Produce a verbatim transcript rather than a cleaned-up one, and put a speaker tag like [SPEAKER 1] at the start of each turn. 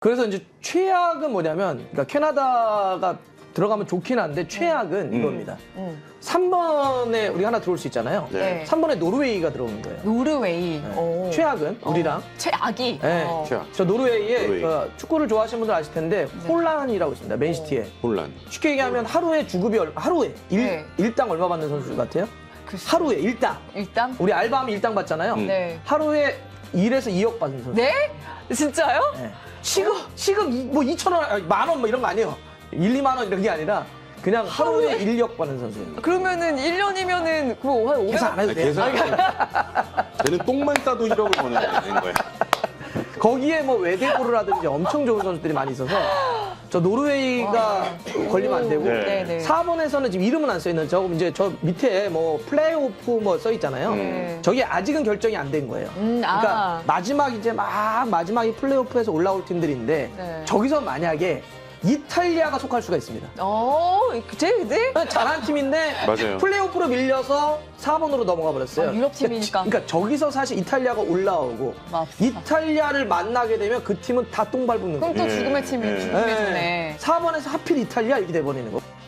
[SPEAKER 1] 그래서 이제 최악은 뭐냐면, 그러니까 캐나다가 들어가면 좋긴 한데 최악은
[SPEAKER 2] 음.
[SPEAKER 1] 이겁니다.
[SPEAKER 3] 음.
[SPEAKER 1] 삼 번에 우리 하나 들어올 수 있잖아요.
[SPEAKER 2] 네.
[SPEAKER 1] 삼 번에 노르웨이가 들어오는 거예요.
[SPEAKER 3] 노르웨이.
[SPEAKER 1] 네.
[SPEAKER 3] 오.
[SPEAKER 1] 최악은 우리랑.
[SPEAKER 3] 어. 최악이.
[SPEAKER 1] 네.
[SPEAKER 3] 어.
[SPEAKER 2] 최악.
[SPEAKER 1] 저 노르웨이에
[SPEAKER 2] 노르웨이.
[SPEAKER 1] 그 축구를 좋아하시는 분들 아실 텐데
[SPEAKER 3] 네.
[SPEAKER 1] 홀란이라고 있습니다. 맨시티에.
[SPEAKER 2] 혼란.
[SPEAKER 1] 쉽게 얘기하면 하루에 주급이 얼, 하루에 일,
[SPEAKER 3] 네.
[SPEAKER 1] 일당 얼마 받는 선수 같아요?
[SPEAKER 3] 글쎄.
[SPEAKER 1] 하루에 일당.
[SPEAKER 3] 일단.
[SPEAKER 1] 우리 알바하면 일당 받잖아요.
[SPEAKER 2] 음.
[SPEAKER 3] 네.
[SPEAKER 1] 하루에 일에서 이억 받는 선수.
[SPEAKER 3] 네? 진짜요?
[SPEAKER 1] 네. 시급 시급 이- 뭐 이천 원, 만 원 뭐 이런 거 아니에요. 일, 이만 원 이런 게 아니라 그냥 하루에 일억 받는 선수예요.
[SPEAKER 3] 그러면은 일 년이면은 그거 한 오백
[SPEAKER 1] 계산 안 해도 돼요.
[SPEAKER 2] 계산. 쟤는 똥만 싸도 일억을 버는 거야.
[SPEAKER 1] 거기에 뭐 외대고를 하든지 엄청 좋은 선수들이 많이 있어서 저 노르웨이가 걸리면 안 되고
[SPEAKER 2] 네.
[SPEAKER 3] 네네.
[SPEAKER 1] 사 번에서는 지금 이름은 안 써 있는 저 이제 저 밑에 뭐 플레이오프 뭐 써 있잖아요.
[SPEAKER 3] 네.
[SPEAKER 1] 저게 아직은 결정이 안 된 거예요.
[SPEAKER 3] 음, 아.
[SPEAKER 1] 그러니까 마지막 이제 막 마지막에 플레이오프에서 올라올 팀들인데
[SPEAKER 3] 네.
[SPEAKER 1] 저기서 만약에 이탈리아가 속할 수가 있습니다.
[SPEAKER 3] 어, 그제 그제?
[SPEAKER 1] 잘한 팀인데
[SPEAKER 2] 맞아요.
[SPEAKER 1] 플레이오프로 밀려서 사 번으로 넘어가 버렸어요.
[SPEAKER 3] 아, 유럽 팀이니까.
[SPEAKER 1] 그러니까 저기서 사실 이탈리아가 올라오고
[SPEAKER 3] 맞습니다.
[SPEAKER 1] 이탈리아를 만나게 되면 그 팀은 다 똥 밟는
[SPEAKER 3] 그럼
[SPEAKER 1] 거예요.
[SPEAKER 3] 또
[SPEAKER 2] 예,
[SPEAKER 3] 죽음의 팀이
[SPEAKER 2] 예.
[SPEAKER 3] 죽음의 팀에.
[SPEAKER 1] 사 번에서 하필 이탈리아 이렇게 돼버리는 거.